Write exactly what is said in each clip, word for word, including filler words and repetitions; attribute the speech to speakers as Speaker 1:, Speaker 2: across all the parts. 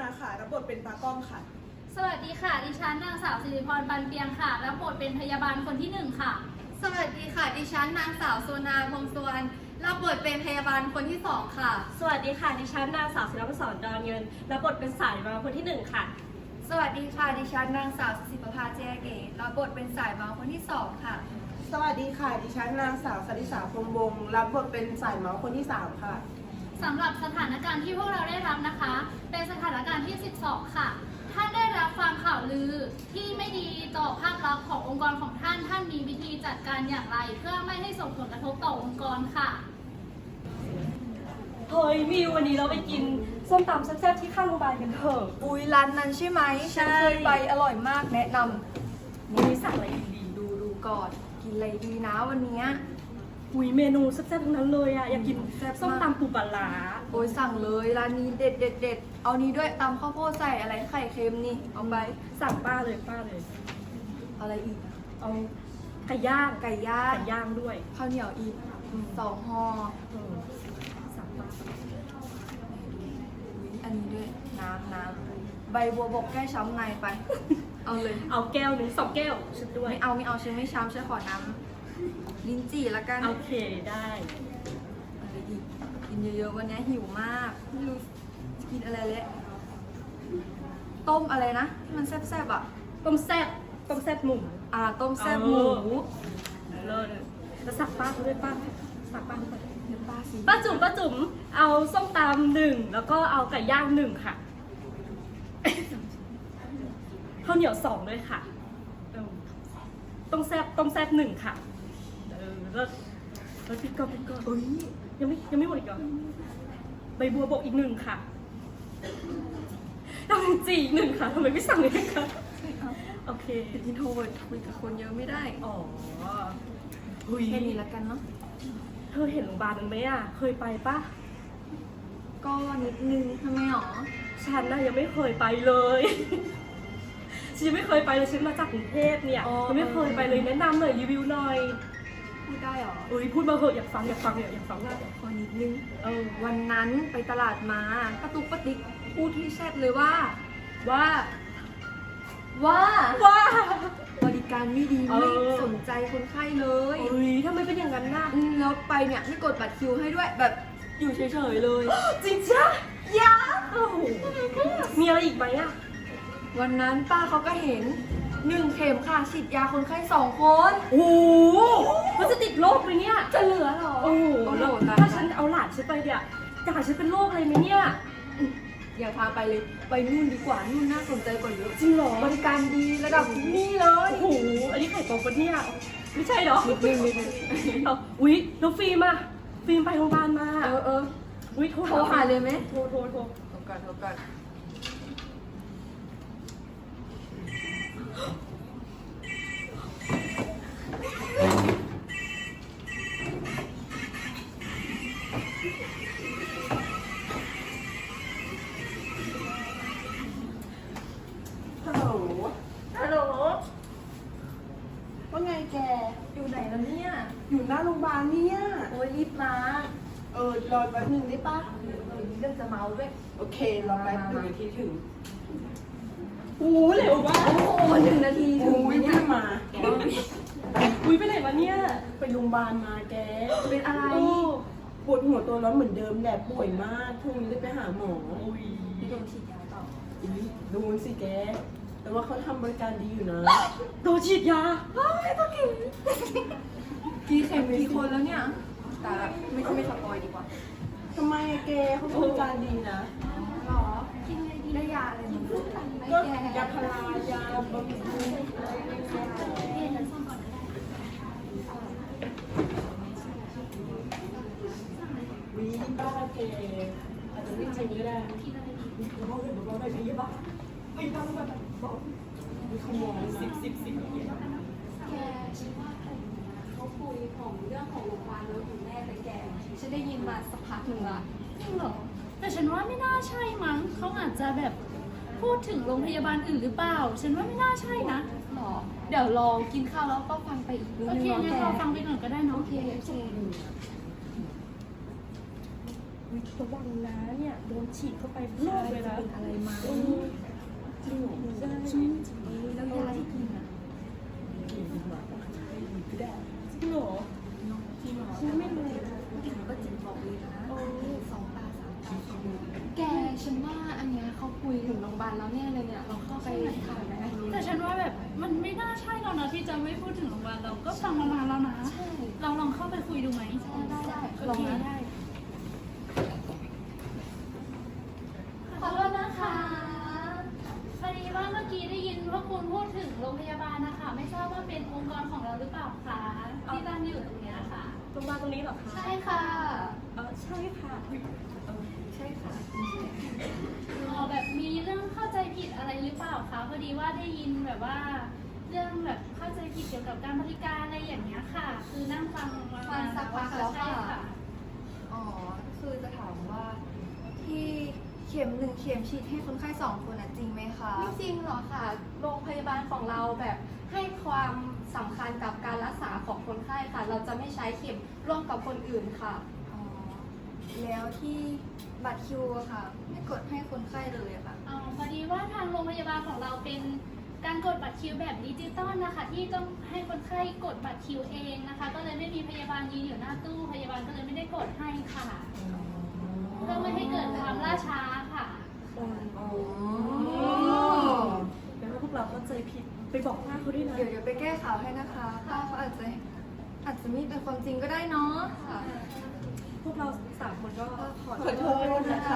Speaker 1: ค่ะรับบทเป็นตากล้องค่ะ
Speaker 2: สวัสดีค่ะ ดิฉันนางสาวสิริพร ปันเปียงค่ะ รับบทเป็นพยาบาลคนที่หนึ่งค่ะ
Speaker 3: สวัสดีค่ะ ดิฉันนางสาวโซนาพงศ์สุวรรณรับบทเป็นพยาบาลคนที่สองค่ะ
Speaker 4: สวัสดีค่ะ ดิฉันนางสาวศิลปศรดอนเงินรับบทเป็นสายมาคนที่หนึ่งค่ะ
Speaker 3: สวัสดีค่ะ ดิฉันนางสาวสิปภาเจเกตรับบทเป็นสายเมาคนที่สองค่ะ
Speaker 1: สวัสดีค่ะ ดิฉันนางสาวสริษาพรหมวงศ์รับบทเป็นสายเมาส์คนที่สามค่ะ
Speaker 2: สำหรับสถานการณ์ที่พวกเราได้รับนะคะ เป็นสถานการณ์ที่ สิบสอง ค่ะ ท่านได้รับฟังข่าวลือที่ไม่ดีต่อภาพลักษณ์ขององค์กรของท่าน ท่านมีวิธีจัดการอย่างไร เพื่อไม่ให้ส่งผลกระทบต่อองค์กรค่ะ
Speaker 4: เฮ้ยมิววันนี้เราไปกินส้มตำแซ่บๆที่ข้างโรงพยาบาลกันเถอะ
Speaker 3: อุ้ยร้านนั้นใช่ไหม
Speaker 4: ใช่
Speaker 3: ฉันเคยไปอร่อยมากแนะนำ
Speaker 4: วันนี้สั่งอะไรดี
Speaker 3: ดูดูก่อน กินอะไรดีนะวันเนี้ย
Speaker 4: ๆอุ้ยเมนูแซ่บๆทั้งนั้นเลยอะอยากกิน
Speaker 3: แซ่บมาก
Speaker 4: ส้มตำปูปลาร้า
Speaker 3: โอ้ยสั่งเลยร้านนี้เด็ดเด็ดเด็ดเอานี้ด้วยตำข้าวโพดใส่อะไรไข่เค็มนี่เอาไป
Speaker 4: สั่งป้าเลยป้าเลย
Speaker 3: อะไรอีกอะ
Speaker 4: เอาไก่ย่าง
Speaker 3: ไก่ย่าง
Speaker 4: ไก่ย่างด้วย
Speaker 3: ข้าวเหนียวอีกสองห่อ
Speaker 4: เออสั่งป้า
Speaker 3: อุ๊ยอันนี้ด้วยน้ำน้ำใบบัวบกแก้ช้ำในไป เอาเลย
Speaker 4: เอาแก้วหนึ่งสองแก้วชุดด้วย
Speaker 3: ไม่เอาไม่เอาฉันไม่ช้ำฉันขอน้ำลิ้นจี่ละกัน
Speaker 4: โอเคได้
Speaker 3: อะไรอีกกินเยอะๆวันนี้หิวมากไม่รู้จะกินอะไรเลยต้มอะไรนะที่มันแซ่บๆอ่ะ
Speaker 4: ต้มแซ่บต้มแซ่บหมู
Speaker 3: อ่าต้มแซ่บหมู
Speaker 4: เลิศแล้วสั่งป้าเขาด้วยป้าสั่งป้าด้วย
Speaker 3: เดี๋ยวป้าสิ
Speaker 4: ป้าจุ๋มป้าจุ๋มเอาส้มตำหนึ่งแล้วก็เอาไก่ย่างหนึ่งค่ะ ข้าวเหนียวสองด้วยค่ะเออต้มแซ่บต้มแซ่บหนึ่งค่ะเออแล้วแล้วพริกก่อนพริกก่อน
Speaker 3: อุ้ย
Speaker 4: ยังไม่ยังไม่หมดอีกเหรอใบบัวบกอีกหนึ่งค่ะดำจีอีกหนึ่งค่ะทำไมไม่สั่งเลยคะโอเค
Speaker 3: เป็นอินโทรเวิร์ดคุยกับคนเยอะไม่ได้
Speaker 4: อ๋อ
Speaker 3: แค่นี้ละกันเนาะ
Speaker 4: เธอเห็นโรงพยาบาลนั้นไหมอ่ะเคยไปปะ
Speaker 3: ก็นิดนึงทำไมหรอ
Speaker 4: ฉันน่ะยังไม่เคยไปเลยฉันยังไม่เคยไปเลยฉันมาจากกรุงเทพเนี่ยยังไม่เคยไปเลยแนะนำหน่อยรีวิวหน่อย
Speaker 3: พูดได้หรอ
Speaker 4: เอ้ยพูดมาเหอะอยากฟังอยากฟังเนี่ยอยากฟังว่า
Speaker 3: ขอนิดนึง
Speaker 4: เออ
Speaker 3: วันนั้นไปตลาดมาป้าตุ๊กป้าติ๊กพูดที่แชทเลยว่า ว่า ว่า
Speaker 4: ว้า
Speaker 3: บริการไม่ดี
Speaker 4: เออ
Speaker 3: ไม่สนใจคนไข้เลย
Speaker 4: เอ้ยทำไมเป็นอย่างนั้นน่ะ
Speaker 3: อืมแล้วไปเนี่ยไม่กดบัตรคิวให้ด้วยแบบอยู่เฉยๆเลย
Speaker 4: จริงจ้ะยาโอ้โหมีอะไรอีกไหมอ่ะ
Speaker 3: วันนั้นป้าเขาก็เห็นหนึ่งเข็มค่ะฉีดยาคนไข้สองคน
Speaker 4: โอ้โหมันจะติดโรคไหมเนี่ย
Speaker 3: จะเหลือเหรอ
Speaker 4: โอ้โห
Speaker 3: โอ้โห
Speaker 4: แล้ว
Speaker 3: ตาย
Speaker 4: ถ้าฉันเอาหลานฉันไปเนี่ยจะหาฉันเป็นโรคอะไรไหมเนี่ย
Speaker 3: อย่าพาไปเลยไปนู่นดีกว่านู่นน่าสนใจกว่าเยอะ
Speaker 4: จริงเหรอ
Speaker 3: บริการดีระดับนี่เลย
Speaker 4: โอ้โห อันนี้ไข่ตรงปะเนี่ย ไม่ใช่เหรอ
Speaker 3: นิดนึงนิดนึง
Speaker 4: เอาอุ๊ยแล้วฟิล์มอะฟิล์มไปโรงพยาบาลมา
Speaker 3: เออเออ
Speaker 4: อุ๊ยโทร
Speaker 3: โทรหาเลยไหม
Speaker 4: โทรโทรโทร
Speaker 3: โทรก่อนโทรก่อนฮัลโหล
Speaker 4: ฮัลโหล
Speaker 1: ว่าไงแก
Speaker 3: อยู่ไหนแล้วเนี่ย
Speaker 1: อยู่หน้าโรงพยาบาลเนี่ย
Speaker 3: โอ้ยรีบมา
Speaker 1: เออรอแป๊บนึงได้ปะ
Speaker 3: มีเรื่องจะเมาด้วย
Speaker 1: โอเครอแป๊บนึงนาทีถึงโอ้เร็วมาก
Speaker 3: โอ้โหหนึ่งนาทีถึ
Speaker 1: โอ้
Speaker 3: งไหม
Speaker 1: ย
Speaker 3: เนี่
Speaker 1: ไม่
Speaker 3: ย
Speaker 1: มา
Speaker 4: อุ๊ยไปไหนมาเนี่ย
Speaker 1: ไปโรงพยาบาลมาแก
Speaker 3: เป็นอะไร
Speaker 4: โอ้
Speaker 1: ปวดหัวตัวร้อนเหมือนเดิมแหละป่วยมากพรุ่งนี้เลยไปหาหมอ
Speaker 4: อุ๊ย
Speaker 3: พี่โดนฉีดยาต่อ
Speaker 1: อุ๊ยดูสิแก แต่ว่าเขาทำบริการดีอยู่นะ
Speaker 4: โดนฉีดยา
Speaker 3: กี่เข็มกี่คนแล้วเนี่ย แต่ไม่ไม่สปอยดีกว่า
Speaker 1: ทำไมอะแกเขาบริการดีนะ
Speaker 3: หรอกินอะไรดีได้ยาอะไรมั้งไม่
Speaker 1: ก็
Speaker 3: แก
Speaker 1: ยาพารายาบำรุงวีบ้าแกอาจจะไม่จริงก็ได้เบาๆเลยเบาๆเลยพี่บ้าไม่บ้าไม่บ้าเบามีขโมยสิบสิบสิบ
Speaker 3: แกฉันว่าเขาคุยของเรื่องของโรงพยาบาลแล้วของแม่แต่แกฉันได้ยินมาสักพักหนึ่งละ
Speaker 2: จริงเหรอ แต่ฉันว่าไม่น่าใช่มั้ง เขาอาจจะแบบพูดถึงโรงพยาบาลอื่นหรือเปล่า ฉันว่าไม่น่าใช่นะ
Speaker 3: หรอ เดี๋ยวลองกินข้าวแล้วก็ฟังไปอีกนิด
Speaker 2: โอ
Speaker 3: นึง
Speaker 2: เค
Speaker 3: เนาะ
Speaker 2: งั้น
Speaker 3: แก
Speaker 2: เราฟังไปก่อนก็ได้เนาะ
Speaker 3: โอเคโอเค
Speaker 4: อุ๊ยระวังนะเนี่ยโดนฉีดเข้าไปโรคเลยนะ
Speaker 3: เป็นอะไรมา
Speaker 4: เออ
Speaker 3: คุยถึงโรงพยาบาลแล้วเนี่ยเลยเนี่ยเราเข้าไปถามไหม
Speaker 2: แต่ฉันว่าแบบมันไม่น่าใช่แล้วนะที่จะไม่พูดถึงโรงพยาบาลเราก็ฟังมานานแล้วนะ
Speaker 3: ใช่
Speaker 2: เราลองเข้าไปคุยดูไหม
Speaker 3: ได้ได้
Speaker 2: โอ
Speaker 3: ลอง
Speaker 2: เค
Speaker 3: นะ
Speaker 2: ได้ขอโทษนะคะพอดีว่าเมื่อกี้ได้ยินว่าคุณพูดถึงโรงพยาบาลนะคะ ไม่ทราบว่าเป็นองค์กรของเราหรือเปล่าคะที่ตั้งอยู่ตรงเนี้ยค่ะ
Speaker 4: ตรงมาตรงนี้เหรอคะ
Speaker 3: ใช่ค่ะ
Speaker 4: เออใช่ค่ะเออ
Speaker 3: ใช่ค่ะ
Speaker 2: อ๋อแบบมีเรื่องเข้าใจผิดอะไรหรือเปล่าคะพอดีว่าได้ยินแบบว่า เรื่องแบบเข้าใจผิดเกี่ยวกับการบริการอะไรอย่างเงี้ยค่ะ คือนั่งฟังมา
Speaker 3: ฟังสักพักแล้วค่ะ
Speaker 2: ใช่ค่ะ
Speaker 3: อ๋อ คือจะถามว่าที่เข็มหนึ่งเข็มฉีดให้คนไข้สองคนนะจริงไหมคะ
Speaker 5: ไม่จริงหรอกค่ะ โรงพยาบาลของเราแบบให้ความสำคัญกับการรักษาของคนไข้ค่ะ เราจะไม่ใช้เข็มร่วมกับคนอื่นค่ะ
Speaker 3: อ๋อ แล้วที่บัตรคิวอะค่ะ ไม่กดให้คนไข้เลยอะค่ะ
Speaker 2: อ๋อพอดีว่าทางโรงพยาบาลของเราเป็นการกดบัตรคิวแบบดิจิตอลนะคะ ที่ต้องให้คนไข้กดบัตรคิวเองนะคะ ก็เลยไม่มีพยาบาลยืนอยู่หน้าตู้พยาบาลก็เลยไม่ได้กดให้ค่ะเพื่อไม่ให้เกิดความล่าช้าค่ะ
Speaker 4: อ๋อแปลว่าพวกเราเข้าใจผิดไปบอกป้าเขาด้วยนะ
Speaker 3: เดี๋ยวเดี๋ยวไปแก้ข่าวให้นะคะป้าเขาอาจจะอาจจะไม่เป็นความจริงก็ได้เนาะค่ะ
Speaker 4: พวกเราสามคนก็
Speaker 3: ขอโทษนะคะ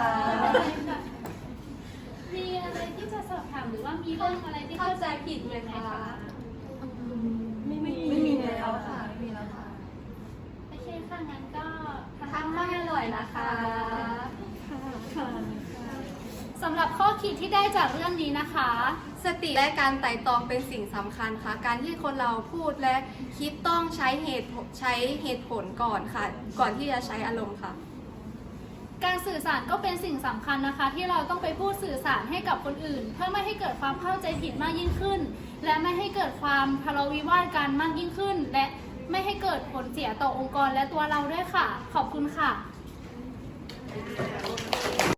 Speaker 2: มีอะไรที่จะสอบถามหรือว่ามีเรื่องอะไรที่เข้าใจผิดไหมคะ
Speaker 4: ไม่มี
Speaker 3: ไม่มีแล้วค่ะ ไม่มีแล้วค่ะ
Speaker 2: โอเคค่ะงั้นก็
Speaker 5: ทานข้าวให้อร่อยนะคะ
Speaker 4: ค่ะค่ะ
Speaker 2: สำหรับข้อคิดที่ได้จากเรื่องนี้นะคะ
Speaker 5: สติและการไต่ตรองเป็นสิ่งสำคัญค่ะ การที่คนเราพูดและคิดต้องใช้เหตุผลใช้เหตุผลก่อนค่ะ ก่อนที่จะใช้อารมณ์ค่ะ
Speaker 2: การสื่อสารก็เป็นสิ่งสำคัญนะคะ ที่เราต้องไปพูดสื่อสารให้กับคนอื่น เพื่อไม่ให้เกิดความเข้าใจผิดมากยิ่งขึ้น และไม่ให้เกิดความทะเลาะวิวาทกันมากยิ่งขึ้น และไม่ให้เกิดผลเสียต่อองค์กรและตัวเราด้วยค่ะ ขอบคุณค่ะ